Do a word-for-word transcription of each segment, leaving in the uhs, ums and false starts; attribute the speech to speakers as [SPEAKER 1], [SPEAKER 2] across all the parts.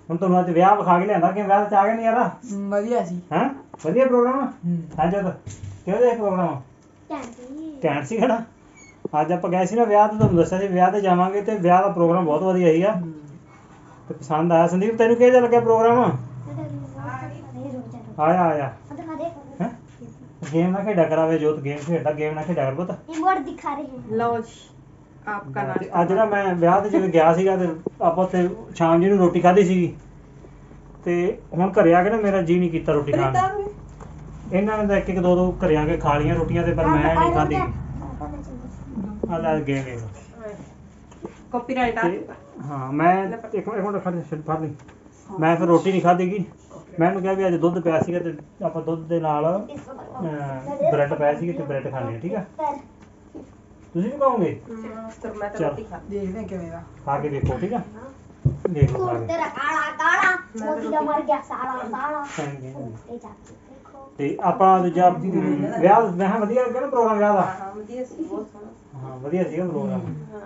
[SPEAKER 1] ਹੁਣ ਤੁਹਾਨੂੰ ਅੱਜ ਵਿਆਹ ਵਿਖਾ ਕੇ ਲਿਆਂਦਾ ਕਿ ਵਿਆਹ ਚ ਆ ਗਿਆ ਨਹੀਂ ਯਾਰ
[SPEAKER 2] ਵਧੀਆ ਸੀ
[SPEAKER 1] ਹੈਂ ਵਧੀਆ ਪ੍ਰੋਗਰਾਮ
[SPEAKER 2] ਹੂੰ
[SPEAKER 1] ਅੱਜ ਤਾਂ ਕਿਹੋ ਜਿਹਾ ਪ੍ਰੋਗਰਾਮ ਘੈਂਟ ਸੀ ਖੜਾ ਅੱਜ ਆਪਾਂ ਗਏ ਸੀ ਨਾ ਵਿਆਹ ਤੇ ਤੁਹਾਨੂੰ ਦੱਸਿਆ ਸੀ ਵਿਆਹ ਤੇ ਜਾਵਾਂਗੇ ਤੇ ਵਿਆਹ ਦਾ ਪ੍ਰੋਗਰਾਮ ਬਹੁਤ ਵਧੀਆ ਸੀਗਾ ਤੇ ਪਸੰਦ ਆਇਆ ਸੰਦੀਪ ਤੈਨੂੰ ਕਿਹੋ ਜਿਹਾ ਲੱਗਿਆ ਪ੍ਰੋਗਰਾਮ ਆਇਆ ਆਇਆ ਹੈਂ गेम ना खेडा करावे जोत गेम खेडा गेम ना खेडा कर पुੱਤ
[SPEAKER 3] रिमोट दिखा रहे हैं
[SPEAKER 2] ਲਓ ਜੀ ਆਪਕਾ ਨਾਮ
[SPEAKER 1] ਤੇ ਅੱਜ ਨਾ ਮੈਂ ਵਿਆਹ ਤੇ ਜਦੋਂ ਗਿਆ ਸੀਗਾ ਤੇ ਆਪਾਂ ਉੱਥੇ ਸ਼ਾਮ ਜੀ ਨੂੰ ਰੋਟੀ ਖਾਧੀ ਸੀਗੀ ਤੇ ਹੁਣ ਘਰੇ ਆ ਕੇ ਨਾ ਮੇਰਾ ਜੀ ਨਹੀਂ ਕੀਤਾ ਰੋਟੀ ਖਾਣ ਨੂੰ ਇਹਨਾਂ ਨੇ ਤਾਂ ਇੱਕ ਇੱਕ ਦੋ ਦੋ ਘਰੇ ਆ ਕੇ ਖਾ ਲੀਆਂ ਰੋਟੀਆਂ ਤੇ ਪਰ ਮੈਂ ਨਹੀਂ ਖਾਧੀ ਆ ਲੈ ਗਏ ਗਏ
[SPEAKER 2] ਕਾਪੀਰਾਈਟ ਆ
[SPEAKER 1] ਹਾਂ ਮੈਂ ਇੱਕ ਇੱਕ ਮਿੰਟ ਖੜ ਛੱਡ ਫੜ ਲਈ ਮੈਂ ਫਿਰ ਰੋਟੀ ਨਹੀਂ ਖਾਧੀਗੀ ਮੈਂ ਉਹਨੂੰ ਕਿਹਾ ਵੀ ਅੱਜ ਦੁੱਧ ਪਿਆ ਸੀਗਾ ਤੇ ਆਪਾਂ ਦੁੱਧ ਦੇ ਨਾਲ ਬ੍ਰੈਡ ਪਿਆ ਸੀਗੇ ਤੇ ਬ੍ਰੈਡ ਖਾਣੇ ਆ ਠੀਕ ਆ ਤੁਸੀਂ ਵੀ ਖਾਓਗੇ
[SPEAKER 2] ਫਿਰ ਮੈਂ ਤਾਂ ਰੋਟੀ ਖਾ
[SPEAKER 4] ਦੇਖਦੇ ਹਾਂ ਕਿਵੇਂ ਦਾ
[SPEAKER 1] ਖਾ ਕੇ ਦੇਖੋ ਠੀਕ ਆ ਦੇਖ ਲਓ ਖਾ ਕੇ
[SPEAKER 3] तेरा काला काला मोदी का मर गया साला साला
[SPEAKER 1] Thank you.
[SPEAKER 3] ये जाके देखो
[SPEAKER 1] ਤੇ ਆਪਾਂ ਦੂਜਾ ਵਿਆਹ ਮੈਂ ਕਿਹਾ ਵਧੀਆ ਲੱਗਿਆ ਨਾ ਪ੍ਰੋਗਰਾਮ ਵਿਆਹ ਦਾ
[SPEAKER 2] ਹਾਂ ਵਧੀਆ ਸੀ ਬਹੁਤ ਸੋਹਣਾ
[SPEAKER 1] ਹਾਂ ਵਧੀਆ ਸੀਗਾ ਪ੍ਰੋਗਰਾਮ
[SPEAKER 2] ਹਾਂ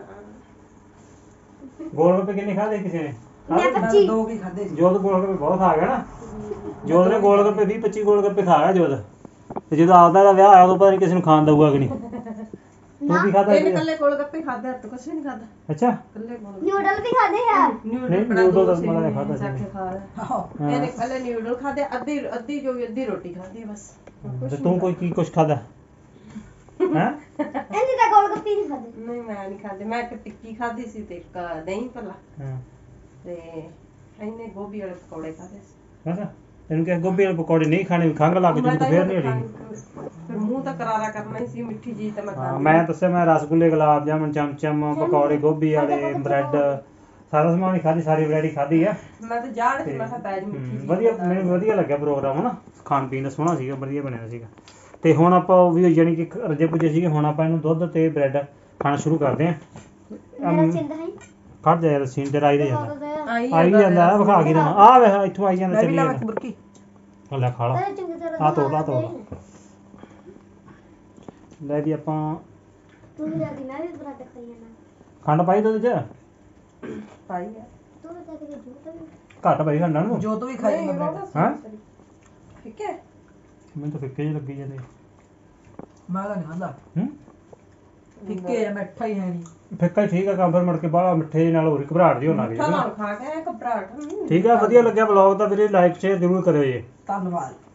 [SPEAKER 1] ਗੋਲ ਗੱਪੇ ਕਿੰਨੇ ਖਾਦੇ ਕਿਸੇ ਨੇ
[SPEAKER 3] मैं
[SPEAKER 1] ਖਾਧੇ?
[SPEAKER 3] पच्ची
[SPEAKER 4] ਦੋ ਕੀ ਖਾਦੇ ਸੀ
[SPEAKER 1] ਜੋਤ ਗੋਲ ਗੱਪੇ ਬਹੁਤ ਖਾ ਗਿਆ ਨਾ ਜੋਤ ਨੇ ਗੋਲ ਗੱਪੇ ਵੀਹ ਪੱਚੀ ਗੋਲ ਗੱਪੇ ਖਾ ਗਿਆ ਜੋਤ ਤੇ ਜਦੋਂ ਆਪਦਾ ਦਾ ਵਿਆਹ ਆਇਆ ਉਦੋਂ ਪਤਾ ਨਹੀਂ ਕਿਸੇ ਨੂੰ ਖਾਣ ਦਊਗਾ ਕਿ ਨਹੀਂ ਤੂੰ ਕੀ ਖਾਦਾ
[SPEAKER 2] ਇਹਨੇ ਕੱਲੇ ਕੋਲ ਗੱਪੇ ਖਾਦੇ ਹੱਥ ਕੁਛ ਵੀ ਨਹੀਂ ਖਾਦਾ
[SPEAKER 1] ਅੱਛਾ
[SPEAKER 2] ਕੱਲੇ ਕੋਲ
[SPEAKER 3] न्यूडल भी खाते यार
[SPEAKER 2] ਨਿਊਡਲ
[SPEAKER 1] ਨਹੀਂ,
[SPEAKER 2] ਬਣਾ
[SPEAKER 1] ਨਿਊਡਲ
[SPEAKER 2] ਦੋ
[SPEAKER 1] ਤਾਂ
[SPEAKER 2] ਸੀ
[SPEAKER 1] ਮੈਂ ਖਾਧਾ ਸੀ।
[SPEAKER 2] ਚੱਕ ਕੇ ਖਾ ਲਿਆ।
[SPEAKER 4] ਆਹੋ
[SPEAKER 1] ਹਾਂ।
[SPEAKER 2] ਇਹਨੇ ਕੱਲੇ ਨਿਊਡਲ ਖਾਦੇ ਅੱਧੀ ਅੱਧੀ ਜੋ ਵੀ ਅੱਧੀ ਰੋਟੀ ਖਾਦੀ ਬਸ
[SPEAKER 1] ਤੇ ਤੂੰ ਕੋਈ ਕੀ ਕੁਛ ਖਾਦਾ ਹੈ
[SPEAKER 3] ऐसे तो गोलगप्पे नहीं खाते
[SPEAKER 2] ਨਹੀਂ ਮੈਂ ਨਹੀਂ ਖਾਦੇ ਮੈਂ ਇੱਕ ਟਿੱਕੀ ਖਾਦੀ ਸੀ ਤੇ ਇੱਕ ਦਹੀਂ ਭੱਲਾ
[SPEAKER 1] ਹਾਂ
[SPEAKER 2] ਤੇ ਇਹਨੇ ਗੋਭੀ ਵਾਲੇ ਪਕੌੜੇ ਖਾਦੇ ਸੀ
[SPEAKER 1] ਅੱਛਾ ਤੈਨੂੰ ਕਿਹਾ ਗੋਭੀ ਵਾਲੇ ਪਕੌੜੇ ਨਹੀਂ ਖਾਣੇ ਖੰਘ ਲੱਗ ਜੂ
[SPEAKER 2] ਮੈਂ
[SPEAKER 1] ਤਾਂ
[SPEAKER 2] ਤਾਂ
[SPEAKER 1] ਫੇਰ ਨਹੀਂ
[SPEAKER 2] ਇਹਨੂੰ
[SPEAKER 1] ਹਟੀ
[SPEAKER 2] ਫਿਰ ਮੂੰਹ ਤਾਂ ਕਰਾਰਾ ਕਰਨਾ ਹੀ ਸੀ ਮਿੱਠੀ ਜੀ ਤਾਂ ਮੈਂ
[SPEAKER 1] ਹਾਂ
[SPEAKER 2] ਖਾਣੀ
[SPEAKER 1] ਮੈਂ ਦੱਸਿਆ ਮੈਂ ਰਸਗੁੱਲੇ ਗੁਲਾਬ ਜਾਮਨ ਚਮਚਮ ਪਕੌੜੇ ਗੋਭੀ ਵਾਲੇ ਬ੍ਰੈਡ ਸਾਰਾ ਸਮਾਨ ਹੀ ਖਾਧੀ ਸਾਰੀ ਵੈਰਾਈਟੀ ਖਾਧੀ ਆ
[SPEAKER 2] ਮੈਂ ਤਾਂ ਜਾੜ ਕੇ ਮੈਂ ਕਿਹਾ ਪੈ ਜੀ ਮਿੱਠੀ
[SPEAKER 1] ਹਮ,
[SPEAKER 2] ਜੀ
[SPEAKER 1] ਵਧੀਆ ਮੈਨੂੰ ਵਧੀਆ ਲੱਗਿਆ ਪ੍ਰੋਗਰਾਮ ਹਨਾ ਖਾਣ ਪੀਣ ਦਾ ਸੋਹਣਾ ਸੀਗਾ ਵਧੀਆ ਬਣਿਆ ਸੀਗਾ ਤੇ ਹੁਣ ਆਪਾਂ ਉਹ ਵੀ ਯਾਨੀ ਕਿ ਰੱਜੇ ਪੁੱਜੇ ਸੀਗੇ ਹੁਣ ਆਪਾਂ ਇਹਨੂੰ ਦੁੱਧ ਤੇ ਬ੍ਰੈਡ ਖਾਣਾ ਸ਼ੁਰੂ ਕਰਦੇ ਆਂ
[SPEAKER 3] मेरा चिंता है
[SPEAKER 1] ਖੜ ਜਾ ਯਾਰ ਸੀਨ ਤੇ ਰਾਈ ਦੇ ਜਾਂਦਾ
[SPEAKER 2] ਆਈ
[SPEAKER 1] ਆਈ ਜਾਂਦਾ ਆ ਵਿਖਾ ਕੇ ਦੇਵਾਂ ਆ ਵੇਖ ਇੱਥੋਂ ਆਈ ਜਾਂਦਾ
[SPEAKER 4] ਮੈਂ ਵੀ
[SPEAKER 1] ਚੱਲੀ
[SPEAKER 4] ਲਾਵਾਂ
[SPEAKER 1] ਜਾਂਦਾ
[SPEAKER 4] ਬੁਰਕੀ
[SPEAKER 1] ਉਹ ਲੈ ਖਾ ਲਾ
[SPEAKER 3] अरे चंगी तरह
[SPEAKER 1] ਆ ਤੋੜ ਲਾ ਤੋੜ ਲੈ ਵੀ ਆਪਾਂ
[SPEAKER 3] तू भी जाती मैं भी पराठे खाई है ना
[SPEAKER 1] ਖੰਡ ਪਾਈ ਦੁੱਧ ਚ
[SPEAKER 2] ਪਾਈ ਆ
[SPEAKER 3] तू बता के झूठ है
[SPEAKER 1] ਘੱਟ ਪਾਈ ਖੰਡ ਨੂੰ
[SPEAKER 4] ਜੋ ਤੋਂ ਵੀ ਖਾਈ ਮੈਂ ਬ੍ਰੈਡ
[SPEAKER 1] ਹਾਂ
[SPEAKER 2] ਠੀਕ ਹੈ
[SPEAKER 1] ਮੈਨੂੰ ਤਾਂ ਫਿੱਕੇ ਜਿਹੇ ਲੱਗੀ ਜਾਂਦੇ
[SPEAKER 4] ਮੈਂ ਤਾਂ ਨਹੀਂ ਖਾਂਦਾ
[SPEAKER 1] ਹੂੰ
[SPEAKER 4] ਫਿੱਕੇ ਆ ਮਿੱਠਾ ਹੀ ਹੈ ਨਹੀਂ
[SPEAKER 1] ਫਿੱਕਾ ਹੀ ਠੀਕ ਆ ਕੰਮ ਫਿਰ ਮੁੜ ਕੇ ਬਾਹਲਾ ਮਿੱਠੇ ਜਿਹੇ ਨਾਲ ਹੋਰ ਘਬਰਾਹਟ ਜਿਹੀ ਹੋਣ ਲੱਗ
[SPEAKER 2] ਮਿੱਠਾ
[SPEAKER 1] ਜਾਂਦੀ
[SPEAKER 2] ਨਾਲ ਖਾ ਕੇ ਘਬਰਾਹਟ
[SPEAKER 1] ਠੀਕ ਆ ਵਧੀਆ ਲੱਗਿਆ ਵਲੌਗ ਤਾਂ ਵੀਰੇ ਲਾਈਕ ਸ਼ੇਅਰ ਜ਼ਰੂਰ ਕਰਿਓ ਜੀ
[SPEAKER 4] ਧੰਨਵਾਦ